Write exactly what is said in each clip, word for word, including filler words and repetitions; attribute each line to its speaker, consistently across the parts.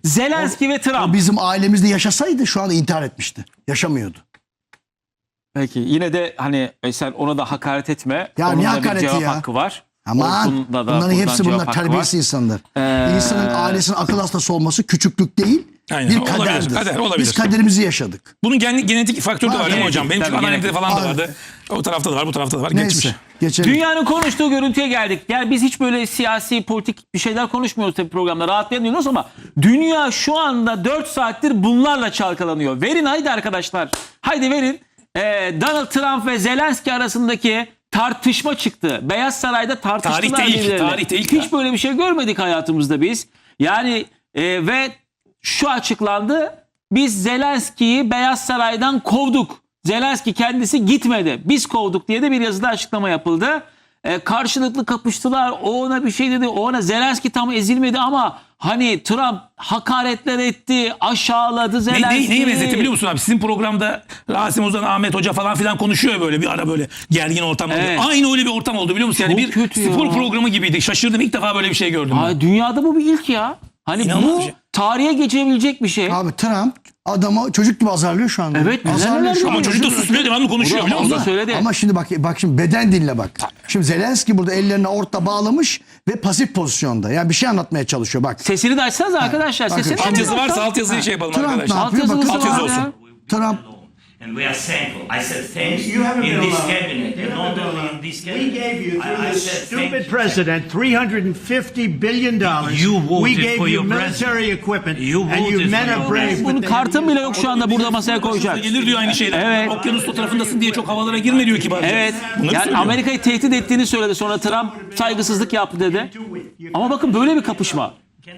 Speaker 1: Zelenski
Speaker 2: o,
Speaker 1: ve Trump.
Speaker 2: O bizim ailemizde yaşasaydı şu anda intihar etmişti. Yaşamıyordu.
Speaker 1: Peki yine de hani sen ona da hakaret etme.
Speaker 2: Ya
Speaker 1: Onun
Speaker 2: niye
Speaker 1: da bir
Speaker 2: hakareti
Speaker 1: cevap
Speaker 2: ya?
Speaker 1: hakkı var.
Speaker 2: Ama
Speaker 1: Orkun'da da
Speaker 2: bunların
Speaker 1: buradan
Speaker 2: hepsi
Speaker 1: cevap
Speaker 2: bunlar
Speaker 1: hakkı
Speaker 2: terbiyesiz
Speaker 1: var.
Speaker 2: insanlar.
Speaker 1: Ee,
Speaker 2: İnsanın ailesinin akıl hastası olması küçüklük değil,
Speaker 3: Aynen,
Speaker 2: bir
Speaker 3: olabilir,
Speaker 2: kaderdir.
Speaker 3: kader, olabilir.
Speaker 2: Biz kaderimizi yaşadık.
Speaker 3: Bunun gen- genetik faktörü de
Speaker 2: Var,
Speaker 3: var değil mi
Speaker 1: genetik,
Speaker 3: hocam? Benim
Speaker 1: tabii,
Speaker 3: anneannemde
Speaker 1: genetik.
Speaker 3: falan da
Speaker 2: Abi.
Speaker 3: vardı. O tarafta da var, bu tarafta da var.
Speaker 2: Neyse,
Speaker 3: Geçmiş.
Speaker 2: geçelim.
Speaker 1: Dünyanın konuştuğu görüntüye geldik. Yani biz hiç böyle siyasi, politik bir şeyler konuşmuyoruz tabii programda. Rahatlayamıyoruz ama dünya şu anda dört saattir bunlarla çalkalanıyor. Verin haydi arkadaşlar. Haydi verin. Ee, Donald Trump ve Zelenski arasındaki tartışma çıktı. Beyaz Saray'da tartıştılar
Speaker 3: Tarihte ilk,
Speaker 1: birbirleriyle.
Speaker 3: tarihte ilk
Speaker 1: Hiç
Speaker 3: ya.
Speaker 1: böyle bir şey görmedik hayatımızda biz. Yani e, ve şu açıklandı. Biz Zelenski'yi Beyaz Saray'dan kovduk. Zelenski kendisi gitmedi. Biz kovduk diye de bir yazıda açıklama yapıldı. E, karşılıklı kapıştılar. O ona bir şey dedi. O ona Zelenski tam ezilmedi ama hani Trump hakaretler etti. Aşağıladı
Speaker 3: Ne,
Speaker 1: Zelenski'yi.
Speaker 3: ne, neyi benzetti biliyor musun abi? Sizin programda Rasim Ozan, Ahmet Hoca falan filan konuşuyor böyle bir ara böyle gergin ortam oldu.
Speaker 1: Evet.
Speaker 3: Aynı öyle bir ortam oldu biliyor musun? Yani
Speaker 1: Çok
Speaker 3: bir
Speaker 1: kötü
Speaker 3: spor
Speaker 1: ya.
Speaker 3: programı gibiydi. Şaşırdım, ilk defa böyle bir şey gördüm. ben.
Speaker 1: Ay, dünyada bu bir ilk ya. Hani
Speaker 3: İnanılmaz
Speaker 1: bu
Speaker 3: bir şey.
Speaker 1: tarihe geçebilecek bir şey.
Speaker 2: Abi Trump adamı çocuk gibi azarlıyor şu anda.
Speaker 1: Evet, neler
Speaker 2: azarlıyor
Speaker 1: neler
Speaker 2: şu
Speaker 3: Ama
Speaker 2: anda.
Speaker 3: çocuk da susmuyor, devamlı konuşuyor
Speaker 1: O da-
Speaker 3: biliyor
Speaker 1: o da
Speaker 3: musun?
Speaker 1: söyledi.
Speaker 2: Ama şimdi bak bak şimdi beden diline bak. Şimdi Zelenski burada ellerini orta bağlamış ve pasif pozisyonda. Yani bir şey anlatmaya çalışıyor bak.
Speaker 1: Sesini de açsanız arkadaşlar.
Speaker 2: bakın.
Speaker 1: Sesini
Speaker 3: Alt yazı
Speaker 1: de
Speaker 3: varsa
Speaker 1: açsanız.
Speaker 3: alt yazıyı şey yapalım
Speaker 2: Trump ne
Speaker 3: arkadaşlar.
Speaker 2: yapıyor?
Speaker 1: Alt yazılı
Speaker 2: Bakın
Speaker 3: Alt yazı
Speaker 1: var ya.
Speaker 3: olsun.
Speaker 2: Trump
Speaker 4: And we are thankful. I said thanks
Speaker 5: You haven't
Speaker 4: in
Speaker 5: been
Speaker 4: this
Speaker 5: alone.
Speaker 4: cabinet,
Speaker 5: You
Speaker 4: and
Speaker 5: haven't
Speaker 4: not
Speaker 5: been
Speaker 4: only
Speaker 5: alone.
Speaker 4: in this
Speaker 5: We
Speaker 4: cabinet.
Speaker 5: gave you, through
Speaker 4: I, I
Speaker 5: this
Speaker 4: said
Speaker 5: stupid
Speaker 4: thank you.
Speaker 5: president, three hundred fifty billion dollars.
Speaker 4: You voted
Speaker 5: We gave
Speaker 4: for
Speaker 5: you
Speaker 4: your
Speaker 5: military
Speaker 4: president.
Speaker 5: equipment,
Speaker 4: You
Speaker 5: and you
Speaker 4: voted
Speaker 5: men
Speaker 4: for
Speaker 5: are
Speaker 4: your
Speaker 5: brave.
Speaker 4: president.
Speaker 1: Bunun
Speaker 5: but they
Speaker 1: kartı
Speaker 5: have
Speaker 1: bile
Speaker 5: used
Speaker 1: yok şu anda burada masaya koyacak.
Speaker 3: Gelir diyor aynı şeyler.
Speaker 1: Evet.
Speaker 3: Okyanus o tarafındasın diye çok havalara girme diyor kibarca.
Speaker 1: Evet.
Speaker 3: Bunları
Speaker 1: Yani
Speaker 3: söylüyor.
Speaker 1: Amerika'yı tehdit ettiğini söyledi. Sonra Trump saygısızlık yaptı dedi. Ama bakın böyle bir kapışma.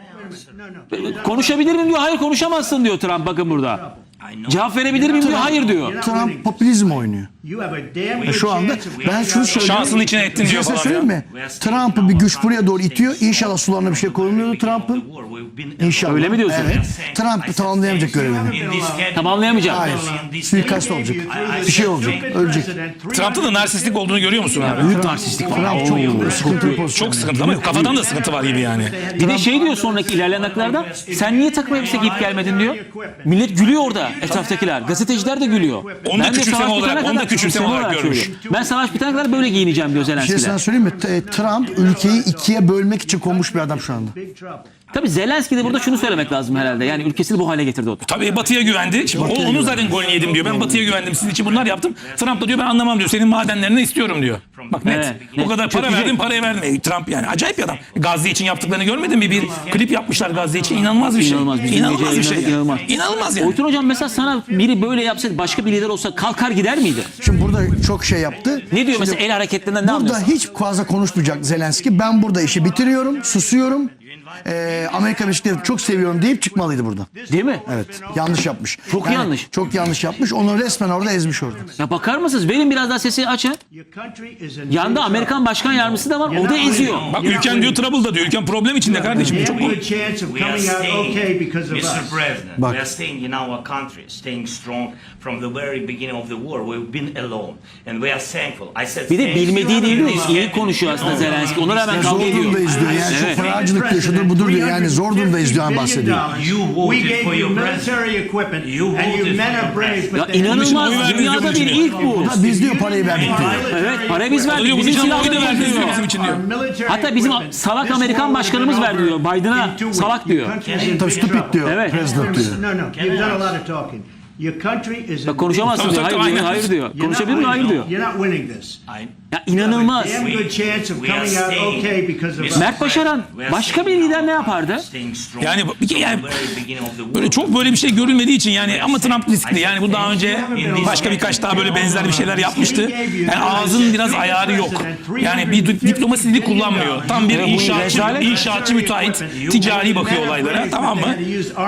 Speaker 1: Konuşabilir miyim diyor. Hayır konuşamazsın diyor Trump bakın burada. Cevap verebilir miyim diyor. Hayır diyor.
Speaker 2: Trump popülizm oynuyor.
Speaker 5: You have a damn good
Speaker 2: Şu anda
Speaker 5: chance of
Speaker 2: ben
Speaker 5: getting
Speaker 2: şunu
Speaker 5: out of-
Speaker 2: söyleyeyim.
Speaker 3: Şansın içine ettin
Speaker 2: Bir
Speaker 3: diyor
Speaker 2: şey
Speaker 3: falan
Speaker 2: söyleyeyim
Speaker 3: ya.
Speaker 2: mi? Trump'ı bir güç buraya doğru itiyor. İnşallah sularına bir şey koyulmuyordu Trump'ın. İnşallah.
Speaker 1: Öyle mi diyorsun?
Speaker 2: Evet. Trump tamamlayamayacak görevini.
Speaker 1: Tamamlayamayacak.
Speaker 2: Hayır. Suikast olacak. Bir şey olacak. Ölecek.
Speaker 3: Trump'ta da narsistlik olduğunu görüyor musun abi?
Speaker 2: Büyük narsistlik var. Trump çok sıkıntılı pozisyon.
Speaker 3: Çok sıkıntı ama kafadan da sıkıntı var gibi yani.
Speaker 1: Bir de şey diyor sonraki ilerleyen dakikalarda. Sen niye takım elbise giyip gelmedin diyor. Millet gülüyor orada etraftakiler. Gazeteciler de gülüyor.
Speaker 3: Onu da
Speaker 1: Ben de
Speaker 3: küçümseme
Speaker 1: savaş
Speaker 3: olarak-
Speaker 1: bitene
Speaker 3: onu da
Speaker 1: kadar
Speaker 3: küçümseme olarak görmüş.
Speaker 1: söylüyor. Ben savaş bitene kadar böyle giyineceğim diyor
Speaker 2: Bir şey
Speaker 1: Zelenski'yle.
Speaker 2: sana söyleyeyim mi? T- Trump ülkeyi ikiye bölmek için konmuş bir adam şu anda.
Speaker 1: Tabii Zelenski de burada şunu söylemek lazım herhalde. Yani ülkesini bu hale getirdi o.
Speaker 3: Tabii Batı'ya güvendi. Şimdi o,
Speaker 2: Batı'ya
Speaker 3: onun
Speaker 2: güvendi.
Speaker 3: zaten golünü yedim diyor. Ben Batı'ya güvendim. Sizin için bunlar yaptım. Trump da diyor ben anlamam diyor. Senin madenlerini istiyorum diyor. Bak net.
Speaker 1: Evet,
Speaker 3: O
Speaker 1: net.
Speaker 3: kadar para
Speaker 1: Çökecek.
Speaker 3: verdim parayı verme. Trump yani acayip bir adam. Gazze için yaptıklarını görmedin mi? Bir klip yapmışlar Gazze için. İnanılmaz bir şey.
Speaker 1: İnanılmaz. Biz
Speaker 3: İnanılmaz
Speaker 1: gece
Speaker 3: bir şey.
Speaker 1: yayınladık, inanılmaz.
Speaker 3: İnanılmaz yani.
Speaker 1: Oytun hocam mesela sana biri böyle yapsaydı başka bir lider olsa kalkar gider miydi?
Speaker 2: Şimdi burada çok şey yaptı.
Speaker 1: Ne diyor
Speaker 2: Şimdi
Speaker 1: mesela el hareketlerinden ne
Speaker 2: burada
Speaker 1: anlıyorsun?
Speaker 2: hiç fazla konuşmayacak Zelenski. Ben burada işi bitiriyorum, susuyorum. Ee, Amerika Birleşik Devletleri çok seviyorum deyip çıkmalıydı burada.
Speaker 1: Değil mi?
Speaker 2: Evet. Yanlış yapmış.
Speaker 1: Çok yanlış.
Speaker 2: Çok yanlış yapmış. Onu resmen orada ezmiş orada.
Speaker 1: Ya bakar mısınız? Verin biraz daha sesi açın.
Speaker 5: Your country is in
Speaker 1: Yanda
Speaker 5: big
Speaker 1: Amerikan
Speaker 5: trouble.
Speaker 1: Başkan Yardımcısı da var. O da eziyor.
Speaker 3: Bak ülken diyor trouble'da diyor. Ülken problem içinde kardeşim. Bu
Speaker 5: Damn
Speaker 3: çok
Speaker 5: good chance of
Speaker 4: We are
Speaker 5: coming out
Speaker 4: staying,
Speaker 5: okay because of
Speaker 4: Mister
Speaker 5: us.
Speaker 4: President,
Speaker 2: Bak.
Speaker 4: we are staying in our country, staying strong from the very beginning of the war. We've been alone and we are thankful. I said
Speaker 1: Bir de
Speaker 4: thank you.
Speaker 1: bilmediği değil de iyi konuşuyor aslında Zelenski. Ona rağmen
Speaker 2: Ya
Speaker 1: kavga
Speaker 2: zor
Speaker 1: ediyor.
Speaker 2: durumdayız diyor. Yani
Speaker 1: Evet.
Speaker 2: çok paracılık diyor. Şudur budur diyor. Yani zor durumdayız diyor. Yani bahsediyor.
Speaker 4: You voted
Speaker 5: We gave
Speaker 4: for
Speaker 5: you
Speaker 4: your
Speaker 5: military equipment,
Speaker 4: You
Speaker 5: and you
Speaker 4: voted
Speaker 5: men
Speaker 4: for
Speaker 5: are
Speaker 4: your
Speaker 5: brave.
Speaker 4: president.
Speaker 1: Ya
Speaker 5: But they-
Speaker 1: inanılmaz.
Speaker 3: Oy verdiniz
Speaker 1: Dünyada
Speaker 3: bunun
Speaker 1: bir
Speaker 3: için.
Speaker 1: ilk bu.
Speaker 2: Da biz diyor parayı verdik diyor.
Speaker 1: Evet, parayı biz verdik.
Speaker 3: Diyor, bunun
Speaker 1: Bizim
Speaker 3: için oy da
Speaker 1: silahları
Speaker 3: verdiniz diyor
Speaker 1: diyor.
Speaker 3: bizim için diyor.
Speaker 1: Hatta bizim salak Amerikan başkanımız ver diyor. Biden'a salak diyor.
Speaker 2: Tabii stupid diyor.
Speaker 1: Evet.
Speaker 2: President diyor.
Speaker 5: No, no, you've done a lot of talking. Your country is in
Speaker 1: Bak konuşamazsın
Speaker 3: Tabii,
Speaker 1: diyor.
Speaker 3: tabii,
Speaker 1: Hayır diyor.
Speaker 3: aynen.
Speaker 1: Hayır diyor.
Speaker 5: You're not
Speaker 1: Konuşabilir mi?
Speaker 5: winning.
Speaker 1: Hayır diyor.
Speaker 5: You're not winning this.
Speaker 1: Ya inanılmaz.
Speaker 5: Damn good chance of
Speaker 4: We are
Speaker 5: coming out
Speaker 4: staying.
Speaker 5: okay because of us.
Speaker 1: Mert Başaran başka bir lider ne yapardı?
Speaker 3: Yani bir kere yani böyle çok böyle bir şey görülmediği için yani ama Trump riskli. Yani bu daha önce başka birkaç daha böyle benzer bir şeyler yapmıştı. Yani ağzının biraz ayarı yok. Yani bir di- diplomasi dili kullanmıyor. Tam bir inşaatçı, inşaatçı müteahhit ticari bakıyor olaylara, tamam mı?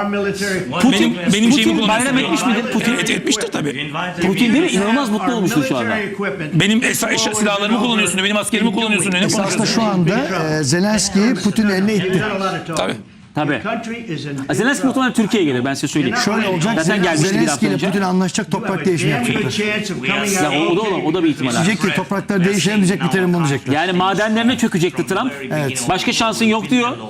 Speaker 1: Putin,
Speaker 3: Benim, benim şeyimi
Speaker 1: Putin bayram
Speaker 3: kullanıyorsun.
Speaker 1: etmiş midir? Putin,
Speaker 3: Et, etmiştir tabii.
Speaker 1: Putin değil mi? İnanılmaz mutlu olmuştur şu anda.
Speaker 3: Benim es- eş- silahlarımı kullanıyorsun diyor, benim askerimi kullanıyorsun diyor. Ne
Speaker 2: Aslında
Speaker 3: konuşuyorsun?
Speaker 2: şu anda e, Zelenski Putin'in eline itti.
Speaker 3: Tabii.
Speaker 1: Tabii. Zelenski muhtemelen Türkiye'ye gelir ben size söyleyeyim.
Speaker 2: Şöyle olacak.
Speaker 1: Zaten gelmişti bir
Speaker 2: Zelenski
Speaker 1: hafta
Speaker 2: ile
Speaker 1: önce.
Speaker 2: Putin anlaşacak, toprak değişimi yapacaklar.
Speaker 1: Ya o, o da olan, o da bir ihtimal. abi.
Speaker 2: Diyecek ki topraklar değişelim diyecek, biterim bunu diyecekler.
Speaker 1: Yani madenlerine çökecekti Trump.
Speaker 2: Evet.
Speaker 1: Başka şansın yok diyor.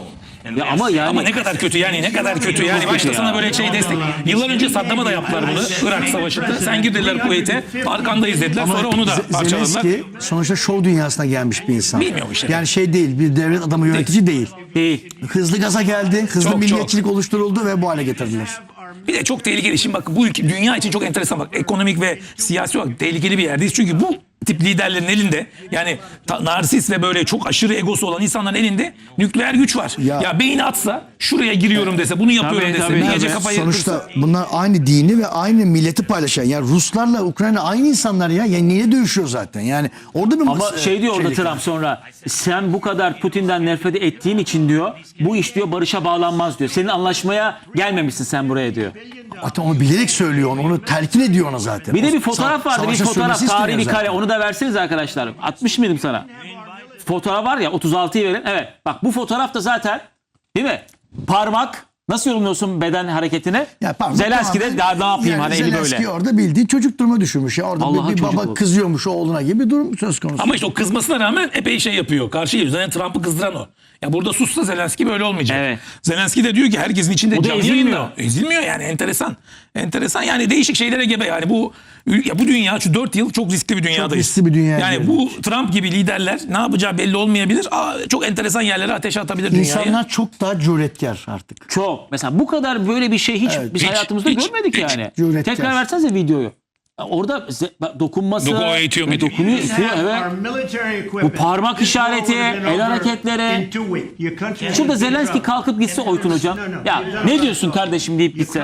Speaker 4: And
Speaker 1: Ya
Speaker 4: we are
Speaker 1: ama
Speaker 4: saying-
Speaker 1: yani-
Speaker 3: Ama ne kadar kötü yani ne kadar kötü yani başta sana böyle şey destek. Yıllar önce Saddam'a da yaptılar bunu Irak Savaşı'nda. Sen gir dediler Kuveyt'e arkandayız dediler sonra onu da
Speaker 2: Ze-
Speaker 3: parçaladılar.
Speaker 2: Zelenski sonuçta şov dünyasına gelmiş bir insan.
Speaker 3: Bilmiyorum işte.
Speaker 2: Yani şey değil, bir devlet adamı yönetici değil.
Speaker 1: Değil.
Speaker 2: Hızlı gaza geldi, hızlı
Speaker 3: Çok,
Speaker 2: milliyetçilik oluşturuldu ve bu hale getirdiler.
Speaker 3: Bir de çok tehlikeli. Şimdi bak bu ülke, dünya için çok enteresan bak. Ekonomik ve siyasi olarak tehlikeli bir yerdeyiz. Çünkü bu tip liderlerin elinde yani ta, narsist ve böyle çok aşırı egosu olan insanların elinde nükleer güç var.
Speaker 2: Ya-
Speaker 3: Ya, beyni atsa şuraya giriyorum dese bunu yapıyorum
Speaker 1: Tabii,
Speaker 3: dese
Speaker 1: tabii,
Speaker 3: bir gece
Speaker 1: tabii.
Speaker 3: kafayı
Speaker 2: Sonuçta
Speaker 3: kırsa.
Speaker 2: bunlar aynı dini ve aynı milleti paylaşan. Yani Ruslarla Ukrayna aynı insanlar ya. Yani niye dövüşüyor zaten? Yani orada bir
Speaker 1: Ama
Speaker 2: mas-
Speaker 1: şey diyor orada
Speaker 2: şeylik var.
Speaker 1: Trump sonra, sen bu kadar Putin'den nefret ettiğin için diyor, bu iş diyor barışa bağlanmaz diyor. Senin anlaşmaya gelmemişsin sen buraya diyor.
Speaker 2: Hatta onu bilerek söylüyor onu, onu telkin ediyor ona zaten.
Speaker 1: Bir de bir
Speaker 2: O
Speaker 1: fotoğraf
Speaker 2: sa-
Speaker 1: vardı, bir
Speaker 2: savaşa
Speaker 1: fotoğraf,
Speaker 2: sürmesi
Speaker 1: tarihi bir
Speaker 2: istemiyor
Speaker 1: kare.
Speaker 2: zaten.
Speaker 1: Onu da verseniz arkadaşlar. atmış mıydım sana? Fotoğraf var ya, otuz altıyı verin. Evet, bak bu fotoğraf da zaten, değil mi? Parmak, nasıl yorumluyorsun beden hareketini?
Speaker 2: Ya pardon,
Speaker 1: Zelenski de
Speaker 2: tamamen-
Speaker 1: daha ne yapayım
Speaker 2: yani
Speaker 1: hani eli
Speaker 2: Zelenski
Speaker 1: böyle.
Speaker 2: orada bildiği çocuk duruma düşürmüş ya. Orada
Speaker 1: Allah'a
Speaker 2: bir, bir
Speaker 1: çocuk
Speaker 2: baba
Speaker 1: oldu.
Speaker 2: kızıyormuş oğluna gibi bir durum söz konusu.
Speaker 3: Ama işte o kızmasına rağmen epey şey yapıyor. Karşı geliyor. Zaten Trump'ı kızdıran o. Ya burada sussa Zelenski böyle olmayacak.
Speaker 1: Evet.
Speaker 3: Zelenski de diyor ki herkesin içinde
Speaker 1: O da
Speaker 3: canlı
Speaker 1: ezilmiyor.
Speaker 3: yayında. Ezilmiyor yani enteresan. Enteresan yani değişik şeylere gebe yani bu ya bu dünya şu dört yıl çok riskli bir dünyadayız.
Speaker 2: riskli bir dünya
Speaker 3: Yani
Speaker 2: diyorum.
Speaker 3: bu Trump gibi liderler ne yapacağı belli olmayabilir. Aa, çok enteresan yerlere ateşe atabilir dünyayı.
Speaker 2: İnsanlar çok daha cüretkar artık.
Speaker 1: Çok. Mesela bu kadar böyle bir şey hiç
Speaker 2: Evet,
Speaker 1: biz
Speaker 3: hiç,
Speaker 1: hayatımızda
Speaker 3: hiç,
Speaker 1: görmedik
Speaker 3: hiç.
Speaker 1: yani.
Speaker 2: Cüretkar.
Speaker 1: Tekrar versenize videoyu. Orada ze- bak, dokunması,
Speaker 3: Doku- o eğitiyor, eğitiyor.
Speaker 1: dokunuyor, itiyor, evet. Bu parmak işareti, el hareketleri. Şurada Zelenski kalkıp gitse Oytun hocam. Ya ne diyorsun kardeşim deyip gitse.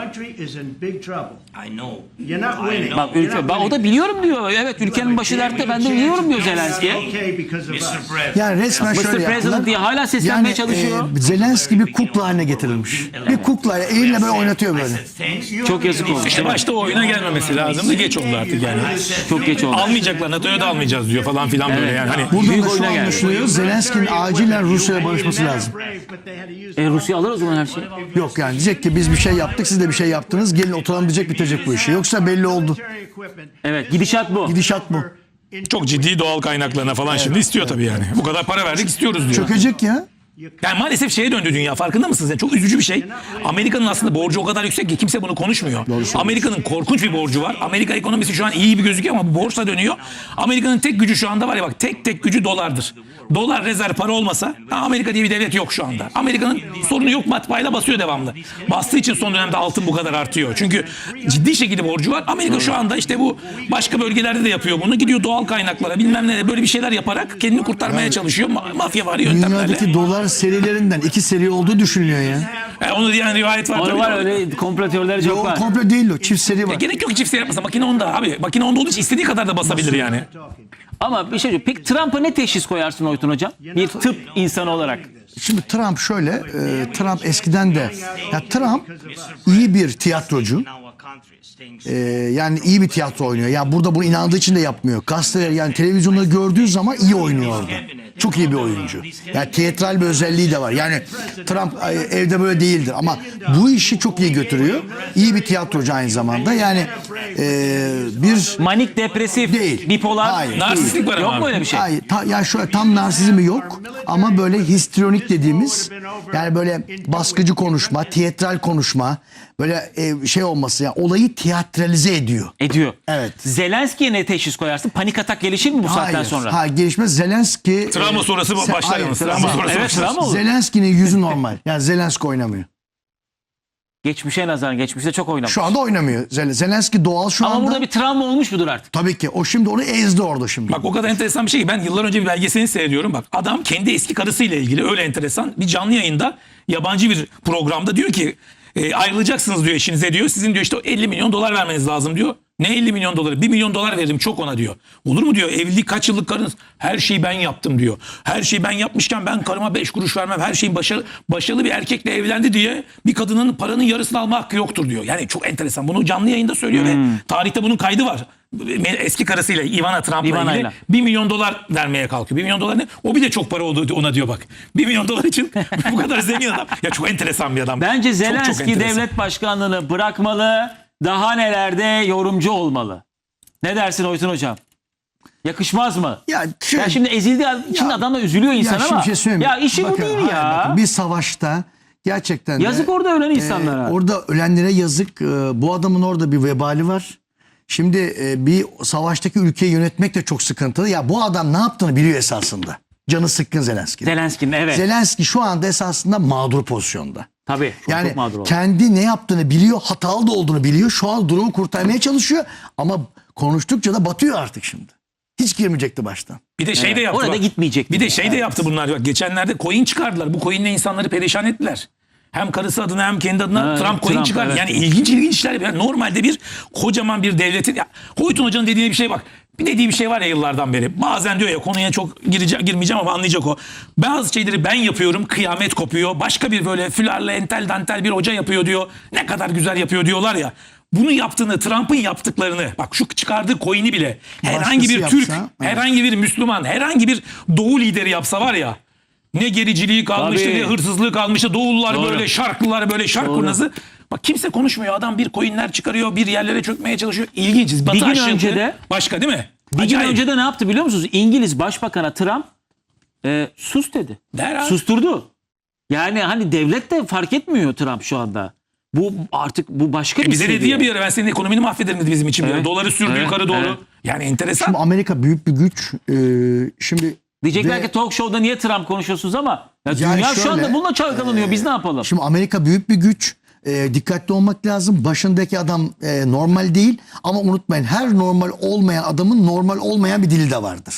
Speaker 4: I know.
Speaker 5: You're not
Speaker 4: I
Speaker 5: winning.
Speaker 4: know.
Speaker 1: Bak ülke, bak, o da biliyorum diyor. Evet ülkenin başı dertte, ben de biliyorum diyor Zelenski.
Speaker 5: Okay because of us.
Speaker 4: mister President.
Speaker 2: Yani resmen
Speaker 1: mister
Speaker 2: şöyle
Speaker 1: President
Speaker 2: yaptılar.
Speaker 1: diye hala seslenmeye çalışıyor.
Speaker 2: e, Zelenski bir kukla haline getirilmiş. Bir kukla eliyle böyle oynatıyor böyle.
Speaker 1: Çok yazık oldu.
Speaker 3: İşte başta o oyuna gelmemesi lazımdı. Geç oldu artık yani.
Speaker 1: Çok geç oldu.
Speaker 3: Almayacaklar, NATO'ya da almayacağız diyor falan filan böyle
Speaker 1: Evet.
Speaker 3: yani. Hani
Speaker 2: Buradan
Speaker 1: Büyük
Speaker 2: da şu
Speaker 1: oyuna geldi.
Speaker 2: anlaşılıyor. Zelenski'nin acilen Rusya'ya barışması lazım.
Speaker 1: E, Rusya alır o zaman her şeyi.
Speaker 2: Yok yani diyecek ki biz bir şey yaptık, siz de bir şey yaptınız. Gelin oturalım diyecek, bitecek bu işi. Yoksa belli oldu.
Speaker 1: Evet, gidişat bu.
Speaker 2: Gidişat bu.
Speaker 3: çok ciddi doğal kaynaklarına falan şimdi istiyor tabii yani. Bu kadar para verdik istiyoruz diyor.
Speaker 2: Çökecek ya.
Speaker 3: Yani maalesef şeye döndü dünya, farkında mısınız? Yani çok üzücü bir şey. Amerika'nın aslında borcu o kadar yüksek ki kimse bunu konuşmuyor. Amerika'nın korkunç bir borcu var. Amerika ekonomisi şu an iyi gibi gözüküyor ama bu borçla dönüyor. Amerika'nın tek gücü şu anda var ya bak, tek tek gücü dolardır. Dolar rezerv para olmasa ha, Amerika diye bir devlet yok şu anda. Amerika'nın sorunu yok, matbaayla basıyor devamlı. Bastığı için son dönemde altın bu kadar artıyor. Çünkü ciddi şekilde borcu var. Amerika şu anda işte bu başka bölgelerde de yapıyor bunu. Gidiyor doğal kaynaklara bilmem ne böyle bir şeyler yaparak kendini kurtarmaya çalışıyor. Ma- mafya var yöntemlerle.
Speaker 2: Dünyadaki dolar serilerinden iki seri olduğu düşünülüyor ya.
Speaker 3: Yani onu diyen rivayet var.
Speaker 1: Onu
Speaker 3: tabii.
Speaker 1: var öyle komplo teorileri çok
Speaker 2: O
Speaker 1: var.
Speaker 2: komple değil o. Çift seri var.
Speaker 3: Gerek yok ki çift seri yapmasa. Makine onda abi. Makine onda olduğu için istediği kadar da basabilir yani.
Speaker 1: Ama bir şey diyor. Peki Trump'a ne teşhis koyarsın Oytun hocam? Bir tıp insanı olarak.
Speaker 2: Şimdi Trump şöyle, e, Trump eskiden de, ya Trump iyi bir tiyatrocu.
Speaker 4: In our country, staying
Speaker 2: Ee, yani iyi bir tiyatro oynuyor. Yani burada bunu inandığı için de yapmıyor. Gazeteler yani televizyonda gördüğü zaman iyi oynuyor orada. Çok iyi bir oyuncu. Yani tiyatral bir özelliği de var. Yani Trump e, evde böyle değildir ama bu işi çok iyi götürüyor. İyi bir tiyatrocu aynı zamanda. Yani e, bir
Speaker 1: Manik, depresif,
Speaker 2: Değil.
Speaker 1: bipolar.
Speaker 2: Hayır.
Speaker 3: Narsistlik var
Speaker 1: Yok
Speaker 3: ama.
Speaker 1: mu öyle bir şey?
Speaker 2: Hayır, ta, ya şöyle tam narsizmi yok ama böyle histrionik dediğimiz yani böyle baskıcı konuşma, tiyatral konuşma, böyle e, şey olması yani olayı tiyatralize ediyor.
Speaker 1: Ediyor.
Speaker 2: Evet.
Speaker 1: Zelenski'ye ne teşhis koyarsın? Panik atak gelişir mi bu saatten
Speaker 2: Hayır,
Speaker 1: sonra?
Speaker 2: hayır gelişmez. Zelenski...
Speaker 3: Travma
Speaker 2: e,
Speaker 3: sonrası
Speaker 2: se-
Speaker 3: başlar
Speaker 2: hayır,
Speaker 3: yalnız.
Speaker 2: travma-
Speaker 3: Travma sonrası
Speaker 1: Evet,
Speaker 3: başlar.
Speaker 1: travma olur.
Speaker 2: Zelenski'nin yüzü normal. Yani Zelenski oynamıyor.
Speaker 1: Geçmişe nazaran, geçmişte çok oynamış.
Speaker 2: Şu anda oynamıyor. Zel- Zelenski doğal şu
Speaker 1: Ama
Speaker 2: anda.
Speaker 1: burada bir travma olmuş mudur artık?
Speaker 2: Tabii ki. O şimdi onu ezdi orada şimdi.
Speaker 3: Bak o kadar enteresan bir şey ki ben yıllar önce bir belgeselini seyrediyorum. Bak adam kendi eski karısıyla ilgili öyle enteresan bir canlı yayında yabancı bir programda diyor ki e, ayrılacaksınız diyor eşinize diyor. Sizin diyor işte elli milyon dolar vermeniz lazım diyor. Ne elli milyon doları? bir milyon dolar veririm çok ona diyor. Olur mu diyor, evlilik kaç yıllık karınız? Her şeyi ben yaptım diyor. Her şeyi ben yapmışken ben karıma beş kuruş vermem. Her şeyin başarılı, başarılı bir erkekle evlendi diye bir kadının paranın yarısını alma hakkı yoktur diyor. Yani çok enteresan. Bunu canlı yayında söylüyor ve tarihte bunun kaydı var. Eski karısıyla Ivana Trump'la
Speaker 1: Ivana'yla.
Speaker 3: ilgili bir milyon dolar vermeye kalkıyor. bir milyon dolar ne? O bir de çok para oldu ona diyor bak. bir milyon dolar için bu kadar zengin adam. Ya çok enteresan bir adam.
Speaker 1: Bence
Speaker 3: Çok, çok
Speaker 1: Zelenski
Speaker 3: enteresan.
Speaker 1: devlet başkanlığını bırakmalı. Daha nelerde yorumcu olmalı. Ne dersin Oytun hocam? Yakışmaz mı?
Speaker 2: Ya, şey-
Speaker 1: ya şimdi ezildiği için
Speaker 2: Ya-
Speaker 1: adam da üzülüyor insan
Speaker 2: Ya şimdi
Speaker 1: ama.
Speaker 2: bir şey söyleyeyim mi?
Speaker 1: Ya işi bu
Speaker 2: Bakın,
Speaker 1: değil
Speaker 2: hayır,
Speaker 1: ya.
Speaker 2: bakın, bir savaşta gerçekten de,
Speaker 1: Yazık orada ölen insanlara.
Speaker 2: orada ölenlere yazık. E, bu adamın orada bir vebali var. Şimdi e, bir savaştaki ülkeyi yönetmek de çok sıkıntılı. Ya bu adam ne yaptığını biliyor esasında. Canı sıkkın Zelenski.
Speaker 1: Zelenski'nin evet.
Speaker 2: Zelenski şu anda esasında mağdur pozisyonda.
Speaker 1: Tabii. Çok,
Speaker 2: Yani
Speaker 1: çok mağdur oldu.
Speaker 2: kendi ne yaptığını biliyor, hatalı da olduğunu biliyor. Şu an durumu kurtarmaya çalışıyor ama konuştukça da batıyor artık şimdi. Hiç girmeyecekti baştan.
Speaker 3: Bir de şey de yaptı.
Speaker 1: Orada
Speaker 3: bak.
Speaker 1: gitmeyecek.
Speaker 3: Bir de şey de yaptı bunlar. Bak, geçenlerde coin çıkardılar. Bu coinle insanları perişan ettiler. Hem karısı adına hem kendi adına
Speaker 1: Ha,
Speaker 3: Trump coin
Speaker 1: Trump,
Speaker 3: çıkardı.
Speaker 1: evet.
Speaker 3: Yani ilginç ilginç işler. Yani normalde bir kocaman bir devletin... Ya, Hoytun Hoca'nın dediğine bir şey bak. Bir dediği bir şey var ya yıllardan beri. Bazen diyor ya konuya çok gireceğim, girmeyeceğim ama anlayacak o. Bazı şeyleri ben yapıyorum, kıyamet kopuyor. Başka bir böyle fülarlı entel dantel bir hoca yapıyor diyor. Ne kadar güzel yapıyor diyorlar ya. Bunu yaptığını, Trump'ın yaptıklarını, bak şu çıkardığı coin'i bile herhangi bir
Speaker 2: Başkası
Speaker 3: Türk,
Speaker 2: yapsa, evet.
Speaker 3: herhangi bir Müslüman, herhangi bir Doğu lideri yapsa var ya, ne gericiliği kalmıştı,
Speaker 1: Tabii.
Speaker 3: ne hırsızlığı kalmıştı. Doğullular
Speaker 1: Doğru.
Speaker 3: böyle, şarklılar böyle, şark
Speaker 1: Doğru.
Speaker 3: kurnazı. Bak kimse konuşmuyor. Adam bir coinler çıkarıyor, bir yerlere çökmeye çalışıyor. İlginç. Batı
Speaker 1: gün
Speaker 3: aşırı
Speaker 1: önce de-
Speaker 3: başka değil mi?
Speaker 1: Bir gün
Speaker 3: Acayip.
Speaker 1: önce de ne yaptı biliyor musunuz? İngiliz Başbakan'a Trump e, sus dedi.
Speaker 3: Der abi.
Speaker 1: Susturdu. Yani hani devlet de fark etmiyor Trump şu anda. Bu artık bu başka bir
Speaker 3: E bize dedi
Speaker 1: seviye.
Speaker 3: ya bir ara ben senin ekonomini mahvederim dedi bizim için. bir ara.
Speaker 1: Evet.
Speaker 3: Doları sürdü
Speaker 1: Evet.
Speaker 3: yukarı doğru.
Speaker 1: Evet.
Speaker 3: Yani enteresan.
Speaker 2: Şimdi Amerika büyük bir güç. Ee, şimdi
Speaker 1: Diyecekler
Speaker 2: ve-
Speaker 1: ki talk show'da niye Trump konuşuyorsunuz ama ya
Speaker 2: Yani
Speaker 1: dünya şu
Speaker 2: şöyle,
Speaker 1: anda bununla çalkalanıyor. Biz ne yapalım?
Speaker 2: Şimdi Amerika büyük bir güç. Ee, dikkatli olmak lazım. Başındaki adam e, normal değil ama unutmayın her normal olmayan adamın normal olmayan bir dili de vardır.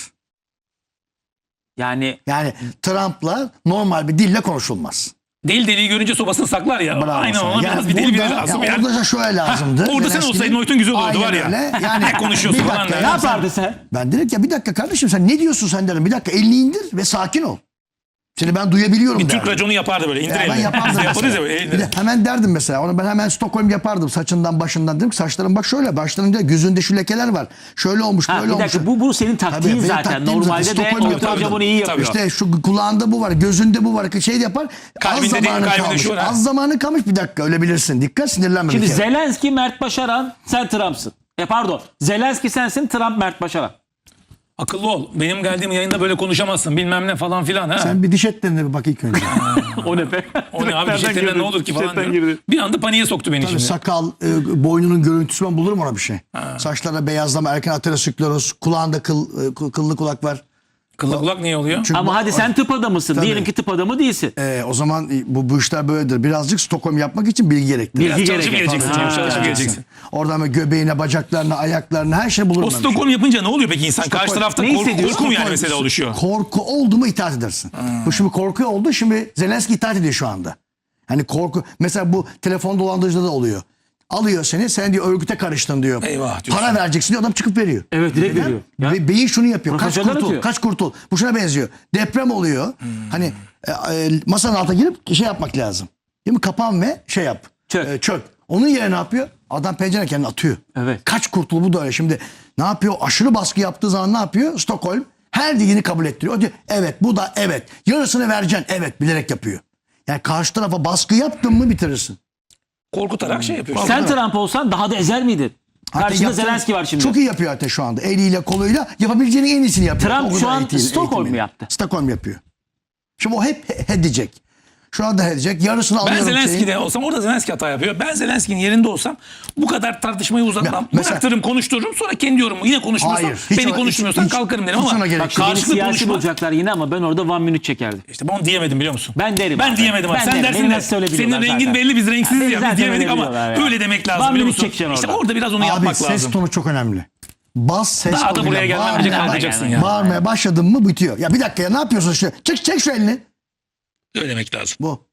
Speaker 1: Yani
Speaker 2: Yani Trump'la normal bir dille konuşulmaz.
Speaker 3: Deli deliği görünce sobasını saklar ya.
Speaker 2: Bravo
Speaker 3: Aynen
Speaker 2: sana.
Speaker 3: ona
Speaker 2: Yani
Speaker 3: biraz bir deli biri
Speaker 2: burada-
Speaker 3: lazım.
Speaker 2: ya
Speaker 3: Yani.
Speaker 2: orada da şöyle lazımdı.
Speaker 3: Ha, orada sen
Speaker 2: Zelenski'nin-
Speaker 3: olsaydın Oytun güzel olurdu,
Speaker 2: Aynen
Speaker 3: var ya.
Speaker 2: öyle. Yani
Speaker 3: Ne konuşuyorsun
Speaker 2: bir
Speaker 3: falan
Speaker 2: dakika
Speaker 3: der.
Speaker 1: ne
Speaker 2: ya.
Speaker 1: yapardı sen?
Speaker 2: Ben dedim ki ya bir dakika kardeşim sen ne diyorsun sen derim. Bir dakika elini indir ve sakin ol. Seni ben duyabiliyorum
Speaker 3: Bir Türk
Speaker 2: derdim.
Speaker 3: raconu yapardı böyle. İndir
Speaker 2: Ya ben
Speaker 3: elini.
Speaker 2: yapardım
Speaker 3: Biz de yaparız ya
Speaker 2: mesela.
Speaker 3: böyle.
Speaker 2: Bir de hemen derdim mesela. Onu ben hemen Stockholm yapardım. Saçından başından dedim ki saçların bak şöyle. Başlarında gözünde şu lekeler var. Şöyle olmuş
Speaker 1: Ha,
Speaker 2: böyle
Speaker 1: bir dakika
Speaker 2: olmuş.
Speaker 1: bu, bu senin taktiğin
Speaker 2: benim
Speaker 1: zaten.
Speaker 2: taktiğim zaten.
Speaker 1: Normalde de
Speaker 2: Stockholm
Speaker 1: Oytun
Speaker 2: yapardım.
Speaker 1: Hoca bunu iyi yapıyor.
Speaker 2: İşte şu kulağında bu var. Gözünde bu var. Şey de yapar.
Speaker 3: Kalbinde
Speaker 2: az
Speaker 3: değil,
Speaker 2: zamanı
Speaker 3: kalbinde
Speaker 2: kalmış.
Speaker 3: şu var, ha.
Speaker 2: Az zamanı kalmış bir dakika ölebilirsin. Dikkat sinirlenme.
Speaker 1: Şimdi
Speaker 2: bir kere.
Speaker 1: Zelenski Mert Başaran, sen Trump'sın. E pardon. Zelenski sensin, Trump Mert Başaran.
Speaker 3: Akıllı ol. Benim geldiğim yayında böyle konuşamazsın. Bilmem ne falan filan. Ha.
Speaker 2: Sen bir diş etlerine bir bak ilk önce.
Speaker 1: O ne be?
Speaker 3: O ne abi
Speaker 1: Nereden
Speaker 3: cidden
Speaker 1: girdin?
Speaker 3: ne olur ki falan
Speaker 1: Chatten
Speaker 3: diyorum.
Speaker 1: girdin.
Speaker 3: Bir anda paniğe soktu beni
Speaker 2: Tabii
Speaker 3: şimdi.
Speaker 2: sakal, e, boynunun görüntüsü ben bulurum ona bir şey. Saçlara beyazlama, erken ateroskleroz, kulağında kıl, e, kıl- kıllı kulak var.
Speaker 3: Kıllı kulak niye oluyor?
Speaker 2: Çünkü
Speaker 1: Ama
Speaker 2: bu-
Speaker 1: hadi sen tıp adamısın.
Speaker 2: Tabii.
Speaker 1: Diyelim ki tıp adamı değilsin.
Speaker 2: E, o zaman e, bu, bu işler böyledir. Birazcık Stockholm yapmak için bilgi gerekli.
Speaker 1: Bilgi
Speaker 3: Biraz çalışıp
Speaker 1: gereken.
Speaker 3: geleceksin.
Speaker 1: Ha.
Speaker 3: canım, Çalışıp geleceksin.
Speaker 2: Oradan böyle göbeğine, bacaklarına, ayaklarına her şey bulurum.
Speaker 3: O
Speaker 2: ben bir şey.
Speaker 3: Stockholm yapınca ne oluyor peki insan? Karşı
Speaker 2: Stockholm-
Speaker 3: tarafta
Speaker 1: Ne
Speaker 3: korku,
Speaker 1: hissediyorsun?
Speaker 3: korku mu yani
Speaker 2: Stockholm-
Speaker 3: mesela oluşuyor?
Speaker 2: Korku oldu mu itaat edersin. Bu şimdi korku oldu. Şimdi Zelenski itaat ediyor şu anda. Hani korku. Mesela bu telefon dolandırıcıda da oluyor. Alıyor seni. Sen diyor örgüte karıştın diyor.
Speaker 3: Eyvah diyorsun.
Speaker 2: Para vereceksin diyor. Adam çıkıp veriyor.
Speaker 1: Evet, direkt veriyor. Ya.
Speaker 2: Ve beyin şunu yapıyor. Kaç
Speaker 1: Profesörler
Speaker 2: kurtul.
Speaker 1: atıyor.
Speaker 2: Kaç kurtul. Bu şuna benziyor. Deprem oluyor.
Speaker 3: Hmm.
Speaker 2: Hani e, e, masanın altına girip şey yapmak lazım. Değil mi? Kapan ve şey yap.
Speaker 1: Çök.
Speaker 2: E, çök. Onun yerine ne yapıyor? Adam pencere kendini atıyor.
Speaker 1: Evet.
Speaker 2: Kaç kurtul bu da öyle. Şimdi ne yapıyor? Aşırı baskı yaptığı zaman ne yapıyor? Stockholm her dediğini kabul ettiriyor. O diyor evet bu da evet. Yarısını vereceksin. Evet bilerek yapıyor. Yani karşı tarafa baskı yaptın mı bitirirsin.
Speaker 3: Korkutarak şey yapıyorsun.
Speaker 1: Sen Trump olsan daha da ezer miydin?
Speaker 2: Hatta
Speaker 1: Karşında
Speaker 2: yaptığı-
Speaker 1: Zelenski var şimdi.
Speaker 2: Çok iyi yapıyor hatta şu anda. Eliyle koluyla yapabileceğinin en iyisini yapıyor.
Speaker 1: Trump
Speaker 2: O kadar
Speaker 1: şu an
Speaker 2: eğitim-
Speaker 1: Stockholm
Speaker 2: eğitimini.
Speaker 1: mu yaptı?
Speaker 2: Stockholm yapıyor. Şimdi o hep he- he diyecek. Şu anda he diyecek. Yarısını
Speaker 3: Ben
Speaker 2: alıyorum. şeyin.
Speaker 3: Zelenski'de olsam orada Zelenski hata yapıyor. Ben Zelenski'nin yerinde olsam bu kadar tartışmayı uzatmam.
Speaker 2: Ya, mesela-
Speaker 3: Bıraktırırım konuştururum sonra kendi yorumumu yine konuşmuyorsam
Speaker 2: Hayır, hiç
Speaker 3: beni
Speaker 2: o-
Speaker 3: konuşmuyorsan
Speaker 2: hiç-
Speaker 3: kalkarım derim
Speaker 2: hiç
Speaker 3: ama
Speaker 2: ona gerek
Speaker 3: bak,
Speaker 2: yok.
Speaker 1: Beni
Speaker 3: karşılıklı
Speaker 1: siyasi
Speaker 3: konuşma.
Speaker 1: bulacaklar yine ama ben orada one minute çekerdim.
Speaker 3: İşte ben onu diyemedim biliyor musun?
Speaker 1: Ben derim
Speaker 3: Ben
Speaker 1: abi.
Speaker 3: diyemedim abi.
Speaker 1: Ben
Speaker 3: Sen
Speaker 1: derim.
Speaker 3: dersin
Speaker 1: Beni
Speaker 3: de
Speaker 1: nasıl öyle
Speaker 3: senin
Speaker 1: biliyorlar
Speaker 3: rengin
Speaker 1: zaten.
Speaker 3: belli biz renksiziz
Speaker 1: Beni
Speaker 3: ya
Speaker 1: zaten
Speaker 3: biz diyemedik
Speaker 1: öyle
Speaker 3: ama
Speaker 1: biliyorlar ya.
Speaker 3: öyle demek lazım
Speaker 1: One
Speaker 3: biliyor
Speaker 1: minute
Speaker 3: musun?
Speaker 1: çekeceksin
Speaker 3: İşte
Speaker 1: orada.
Speaker 3: orada biraz onu
Speaker 2: Abi
Speaker 3: yapmak
Speaker 2: ses
Speaker 3: lazım.
Speaker 2: tonu çok önemli. Bas ses
Speaker 3: Daha da
Speaker 2: tonuyla
Speaker 3: buraya gelmeden önce
Speaker 2: bağırmaya-
Speaker 3: kalkacaksın ya.
Speaker 2: Bağırmaya başladın mı bitiyor. Ya bir dakika ya ne yapıyorsun işte? Çek, çek şu elini.
Speaker 3: Öyle demek lazım.
Speaker 2: Bu.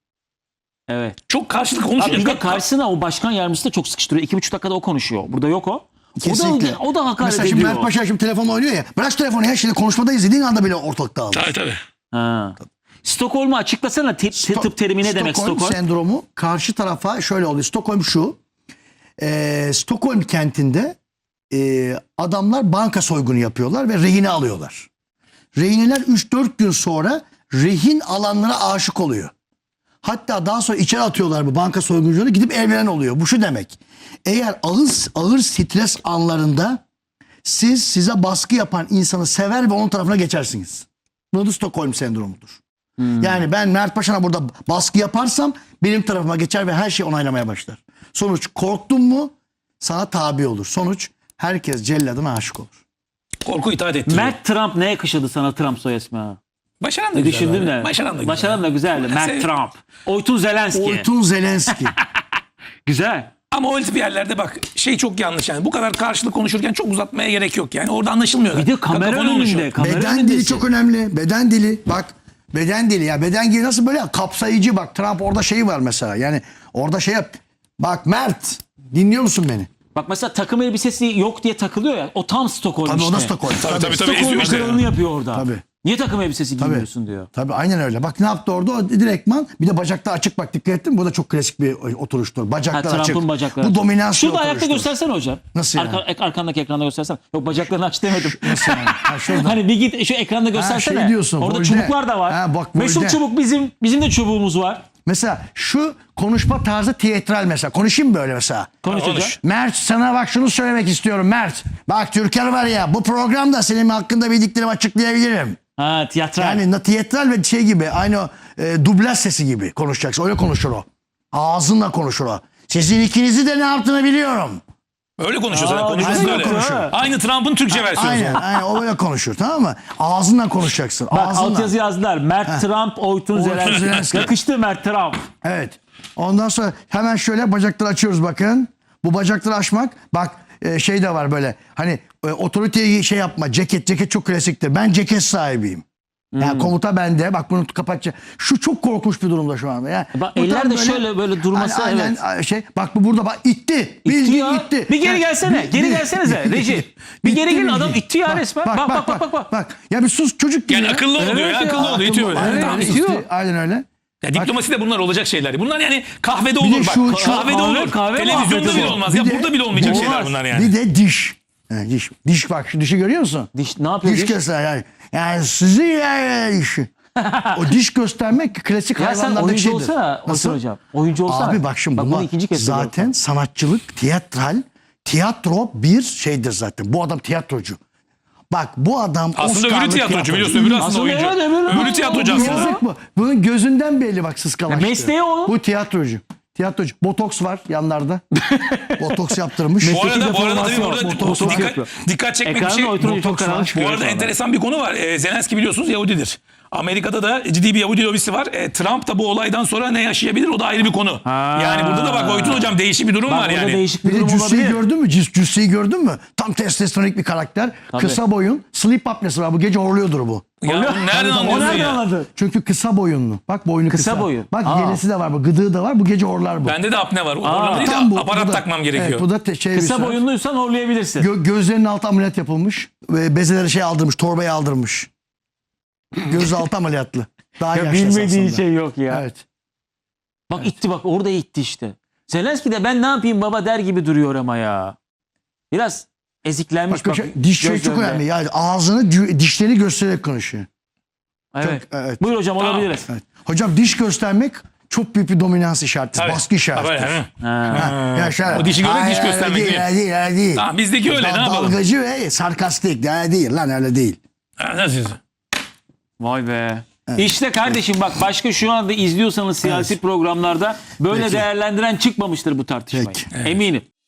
Speaker 1: Evet.
Speaker 3: Çok karşılıklı
Speaker 1: Abi bir de
Speaker 3: konuşunca
Speaker 1: karşısına o başkan yardımcısı da çok sıkıştırıyor. İki buçuk dakikada o konuşuyor. Burada yok o.
Speaker 2: Kesinlikle.
Speaker 1: O da, o da hakaret
Speaker 2: Mesela şimdi
Speaker 1: ediyor.
Speaker 2: Mert Paşa şimdi telefonla oynuyor ya. Bırak şu telefonu ya şimdi konuşmada izlediğin anda bile ortalık dağılır.
Speaker 3: Tabii tabii.
Speaker 1: Ha. Stockholm'u açıklasana. T- t- tıp terimi ne demek
Speaker 2: Stockholm
Speaker 1: Stockholm?
Speaker 2: sendromu karşı tarafa şöyle oluyor. Stockholm şu. E, Stockholm kentinde e, adamlar banka soygunu yapıyorlar ve rehine alıyorlar. Rehineler üç dört gün sonra rehin alanlara aşık oluyor. Hatta daha sonra içeri atıyorlar bu banka soyguncuları gidip evlenen oluyor. Bu şu demek. Eğer ağır, ağır stres anlarında Siz size baskı yapan insanı sever ve onun tarafına geçersiniz. Bu da Stockholm sendromudur. Yani ben Mert Paşa'na burada baskı yaparsam benim tarafıma geçer ve her şeyi onaylamaya başlar. Sonuç korktun mu sana tabi olur. Sonuç herkes celladına aşık olur.
Speaker 3: Korku itaat ettiriyor.
Speaker 1: Mert Trump ne yakışırdı sana Trump soy ismi ha?
Speaker 3: Başaran da güzel.
Speaker 1: Düşündün
Speaker 3: abi.
Speaker 1: de.
Speaker 3: Başaran da güzel.
Speaker 1: Başaran da güzeldi. Mert
Speaker 3: sev-
Speaker 1: Trump. Oytun Zelenski.
Speaker 2: Oytun Zelenski.
Speaker 1: Güzel.
Speaker 3: Ama o tip yerlerde bak şey çok yanlış yani. Bu kadar karşılıklı konuşurken çok uzatmaya gerek yok yani. Orada anlaşılmıyor.
Speaker 1: Bir de kamera
Speaker 3: Kakafoni oluşuyor.
Speaker 1: önünde. Kamera
Speaker 2: Beden dili
Speaker 1: önündesin.
Speaker 2: çok önemli. Beden dili bak beden dili ya beden dili nasıl böyle kapsayıcı bak Trump orada şeyi var mesela yani orada şey yap. Bak Mert dinliyor musun beni?
Speaker 1: Bak mesela takım elbisesi yok diye takılıyor ya. O tam Stockholm
Speaker 2: Tabii
Speaker 1: işte.
Speaker 2: o da Stockholm.
Speaker 3: Tabii, tabii, tabii.
Speaker 1: Stockholm
Speaker 3: eziyor işte.
Speaker 1: kralını yapıyor orada.
Speaker 2: Tabii.
Speaker 1: Niye takım elbisesi giymiyorsun diyor.
Speaker 2: Tabii aynen öyle. Bak ne yaptı orada? O direktman bir de bacaklar açık bak dikkat ettin mi? Bu da çok klasik bir oturuştur.
Speaker 1: Ha,
Speaker 2: Bacaklar açık.
Speaker 1: Trump'ın bacakları.
Speaker 2: Bu
Speaker 1: açık.
Speaker 2: dominans bir
Speaker 1: Şurada ayakta
Speaker 2: oturuştur.
Speaker 1: göstersene hocam.
Speaker 2: Nasıl yani?
Speaker 1: Arka, ek- arkandaki ekranda göstersene. Yok bacaklarını aç demedim.
Speaker 2: Nasıl yani? Ha, şurada.
Speaker 1: Hani bir git şu ekranda göstersene.
Speaker 2: şey diyorsun,
Speaker 1: Orada
Speaker 2: volde.
Speaker 1: çubuklar da var.
Speaker 2: Ha, bak,
Speaker 1: Mesut
Speaker 2: volde.
Speaker 1: çubuk bizim bizim de çubuğumuz var.
Speaker 2: Mesela şu konuşma tarzı tiyatral mesela. Konuşayım böyle mesela.
Speaker 1: Konuş
Speaker 3: Konuş.
Speaker 1: hocam.
Speaker 2: Mert sana bak şunu söylemek istiyorum Mert. Bak Türker var ya bu programda senin hakkında bildiklerimi açıklayabilirim.
Speaker 1: Ha tiyatral.
Speaker 2: Yani na- tiyatral ve şey gibi aynı o, e, dublaj sesi gibi konuşacaksın. Öyle konuşur o. Ağzınla konuşur o. Sizin ikinizi de ne yaptığını biliyorum.
Speaker 3: Öyle konuşuyor zaten.
Speaker 1: Aa,
Speaker 3: Konuşması
Speaker 1: güzel
Speaker 3: öyle.
Speaker 1: konuşuyor.
Speaker 3: Aynı Trump'ın Türkçe versiyonu.
Speaker 2: Aynen, aynen o böyle konuşur tamam mı? Ağzınla konuşacaksın.
Speaker 1: Bak
Speaker 2: Ağzınla.
Speaker 1: altyazı yazdılar. Mert Trump, Oytun
Speaker 2: Oytun
Speaker 1: Zelenski.
Speaker 2: Zelenski.
Speaker 1: Yakıştı Mert Trump.
Speaker 2: Evet. Ondan sonra hemen şöyle bacakları açıyoruz bakın. Bu bacakları açmak bak e, şey de var böyle hani e, otoriteyi şey yapma ceket ceket çok klasiktir. Ben ceket sahibiyim. Yani komuta bende. Bak bunu kapatacağım. Şu çok korkunç bir durumda şu anda. Yani
Speaker 1: Bak,
Speaker 2: bu
Speaker 1: eller
Speaker 2: tam
Speaker 1: de şöyle böyle durması,
Speaker 2: aynen,
Speaker 1: evet.
Speaker 2: Şey, bak bu burada bak itti. Bildiğin
Speaker 1: ya.
Speaker 2: itti.
Speaker 1: Bir geri
Speaker 2: Yani,
Speaker 1: gelsene, geri gelsenize, Reji. Bir geri gelin, adam itti ya
Speaker 2: Bak,
Speaker 1: resmen. Bak, bak, bak, bak, bak.
Speaker 2: Ya bir sus çocuk gibi.
Speaker 3: Yani
Speaker 2: ya.
Speaker 3: akıllı ol diyor
Speaker 1: Evet
Speaker 3: ya.
Speaker 1: ya,
Speaker 3: Akıllı ol. İtiyor böyle.
Speaker 2: Aynen,
Speaker 3: Tamam.
Speaker 2: öyle,
Speaker 1: itiyor.
Speaker 2: itti, aynen öyle.
Speaker 3: Ya diplomaside bunlar olacak şeyler. Bunlar yani kahvede
Speaker 2: de
Speaker 3: olur bak.
Speaker 2: şu- şu-
Speaker 3: kahvede
Speaker 1: kahve-
Speaker 3: olur.
Speaker 1: kahve
Speaker 3: Televizyonda
Speaker 1: muhabbeti
Speaker 3: bile
Speaker 1: bu.
Speaker 3: olmaz.
Speaker 2: Bir
Speaker 3: Ya
Speaker 2: de-
Speaker 3: burada bile olmayacak
Speaker 2: Olmaz.
Speaker 3: şeyler bunlar yani.
Speaker 2: Bir de diş. He, diş. Diş bak şu dişi görüyor musun?
Speaker 1: Diş ne yapıyor?
Speaker 2: Diş
Speaker 1: Diş?
Speaker 2: göster yani. Yani sizi yani işi. O diş göstermek klasik
Speaker 1: Ya sen
Speaker 2: hayvanlardaki
Speaker 1: oyuncu
Speaker 2: şeydir.
Speaker 1: olsana
Speaker 2: Nasıl?
Speaker 1: Oytun hocam. Oyuncu olsana.
Speaker 2: Abi bak şimdi
Speaker 1: bak,
Speaker 2: bunlar
Speaker 1: bunu ikinci kez
Speaker 2: zaten
Speaker 1: söylüyorum.
Speaker 2: sanatçılık, tiyatral, tiyatro bir şeydir zaten. Bu adam tiyatrocu. Bak bu adam
Speaker 3: Aslında öbürü
Speaker 2: Oscar'lı
Speaker 3: tiyatrocu biliyorsun. Öbürü aslında
Speaker 1: Aslında
Speaker 3: oyuncu.
Speaker 1: evet, öbürü-
Speaker 3: Öbürü tiyatrocu aslında.
Speaker 2: Yazık bu. Bunun gözünden belli bak sıskalaştı.
Speaker 1: Ya mesleği o.
Speaker 2: Bu tiyatrocu. Tiyatrocu. Botoks var yanlarda. Botoks yaptırmış.
Speaker 3: Bu arada, bu arada tabii
Speaker 1: deformasyon,
Speaker 3: burada
Speaker 1: botoks
Speaker 3: dikkat,
Speaker 1: yapıyor.
Speaker 3: dikkat çekmek bir
Speaker 1: Ekranın
Speaker 3: şey.
Speaker 1: Oytun çok
Speaker 2: botoks var.
Speaker 1: karanlık
Speaker 3: Bu
Speaker 1: çıkıyor.
Speaker 3: arada
Speaker 1: şu anda.
Speaker 3: enteresan bir konu var. Ee, Zelenski biliyorsunuz Yahudidir. Amerika'da da ciddi bir Yahudi lobisi var. Ee, Trump da bu olaydan sonra ne yaşayabilir o da ayrı bir konu.
Speaker 1: Ha.
Speaker 3: Yani burada da bak Oytun hocam değişik bir durum
Speaker 1: Bak
Speaker 3: var
Speaker 1: orada
Speaker 3: yani.
Speaker 1: değişik bir
Speaker 2: Bir de
Speaker 1: durum
Speaker 2: cüsseyi
Speaker 1: olabilir.
Speaker 2: gördün mü? Cüs, cüsseyi gördün mü? Tam testosteronik bir karakter. Kısa boyun. Sleep apnesi var. Bu gece horluyordur bu.
Speaker 3: Ya bunu nereden
Speaker 1: O
Speaker 3: anlıyorsun
Speaker 1: nereden
Speaker 3: ya?
Speaker 1: anladı?
Speaker 2: Çünkü kısa boyunlu. Bak boynu kısa.
Speaker 1: Kısa boyu.
Speaker 2: Bak
Speaker 1: Aa.
Speaker 2: yelesi de var. Bu gıdığı da var. Bu gece horlar bu.
Speaker 3: Bende de apne var. O orada değil de
Speaker 2: Tam bu.
Speaker 3: aparat
Speaker 2: Bu da-
Speaker 3: takmam gerekiyor.
Speaker 2: Evet, bu da te- şey
Speaker 1: Kısa
Speaker 2: bir-
Speaker 1: boyunluysan horlayabilirsin.
Speaker 2: Gö- gözlerinin altı ameliyat yapılmış. Ve bezeleri şey aldırmış. Torbayı aldırmış. Gözaltı ameliyatlı. Daha
Speaker 1: Ya
Speaker 2: yaşlı
Speaker 1: bilmediği
Speaker 2: esasında.
Speaker 1: şey yok ya.
Speaker 2: Evet.
Speaker 1: Bak itti bak orada itti işte. Zelenski de ben ne yapayım baba der gibi duruyor ama ya. Biraz eziklenmiş
Speaker 2: Bak,
Speaker 1: bak.
Speaker 2: şey, diş şey çok
Speaker 1: gözlerinde.
Speaker 2: önemli. Yani ağzını, cü- dişlerini göstererek konuşuyor.
Speaker 1: Evet.
Speaker 2: Çok- evet.
Speaker 1: Buyur hocam
Speaker 3: Tamam.
Speaker 1: olabiliriz.
Speaker 2: Evet. Hocam diş göstermek çok büyük bir dominans işaretidir.
Speaker 3: Tabii.
Speaker 2: Baskı işaretidir.
Speaker 3: Tabii, değil mi?
Speaker 1: Ha.
Speaker 2: Ha, ya şöyle,
Speaker 3: O dişi görerek
Speaker 2: "Ay,
Speaker 3: diş
Speaker 2: öyle
Speaker 3: göstermek
Speaker 2: değil.
Speaker 3: değil."
Speaker 2: Öyle değil, öyle değil.
Speaker 3: Tamam, bizdeki öyle, ne yapalım?
Speaker 2: Dalgacı ve sarkastik. Öyle değil lan öyle değil.
Speaker 3: Ha, nasıl?
Speaker 1: Vay be. İşte kardeşim bak başka şu anda izliyorsanız siyasi programlarda böyle
Speaker 2: Peki.
Speaker 1: değerlendiren çıkmamıştır bu tartışmayı.
Speaker 2: Peki.
Speaker 1: Eminim.